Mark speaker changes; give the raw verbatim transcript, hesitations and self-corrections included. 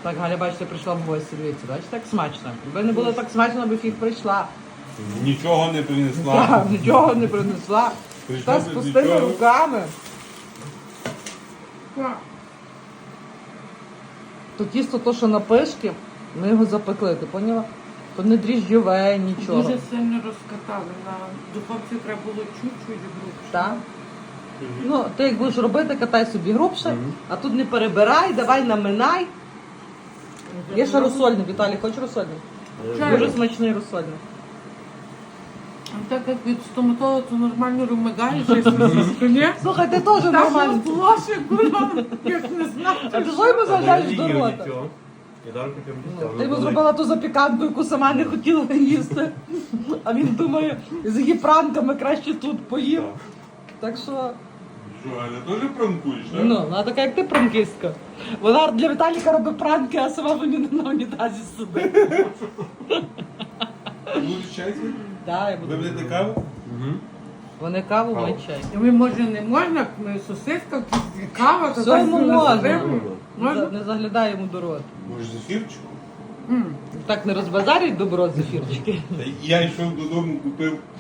Speaker 1: Так, Галя, бачите, прийшла в гості, дивіться, бачите, так смачно. Якби не було так смачно, аби фіг прийшла.
Speaker 2: Нічого не принесла.
Speaker 1: Так, нічого не принесла.
Speaker 2: Прийшла
Speaker 1: Та з
Speaker 2: без
Speaker 1: пустими
Speaker 2: нічого.
Speaker 1: руками. То тісто, то, що на пишки, ми його запекли, ти поняла? То не дріжджове, нічого.
Speaker 3: Дуже сильно розкатали. На духовці треба було чуть-чуть грубше.
Speaker 1: Так? Ну, ти як будеш робити, катай собі грубше, а тут не перебирай, давай наминай. Є ще розсольник, Віталій, хочеш розсольник? Дуже смачний розсольник.
Speaker 3: А так як від стоматолога, то нормально румигаєш, якщо ні.
Speaker 1: Слухай, ти теж
Speaker 3: Так
Speaker 1: нормально.
Speaker 3: плоше, курва, як не знаю.
Speaker 1: А ти що йому заглядаєш до рота? Ну, ти йому зробила ту запіканку, яку сама не хотіла їсти. А він думає, з її пранками краще тут поїв. Так що,
Speaker 2: Що, Галя, теж пранкуєш, так?
Speaker 1: ну, вона така, як ти пранкістка. Вона для Віталіка робить пранки, а сама мені на унітазі сидить.
Speaker 2: Будеш чай?
Speaker 1: Так, я
Speaker 2: Ви
Speaker 1: буду.
Speaker 2: будете каву?
Speaker 1: Вони каву, ми чай.
Speaker 3: Ви, може, не можна, ми сосиска, кава, то
Speaker 1: Все
Speaker 3: так
Speaker 1: йому
Speaker 3: собі
Speaker 1: можна.
Speaker 3: насипемо.
Speaker 1: За-
Speaker 3: Можна?
Speaker 1: Не заглядай йому до рота.
Speaker 2: Може, зефірчику?
Speaker 3: М.
Speaker 1: Так не розбазарюють добро зефірчики.
Speaker 2: Та я йшов додому, купив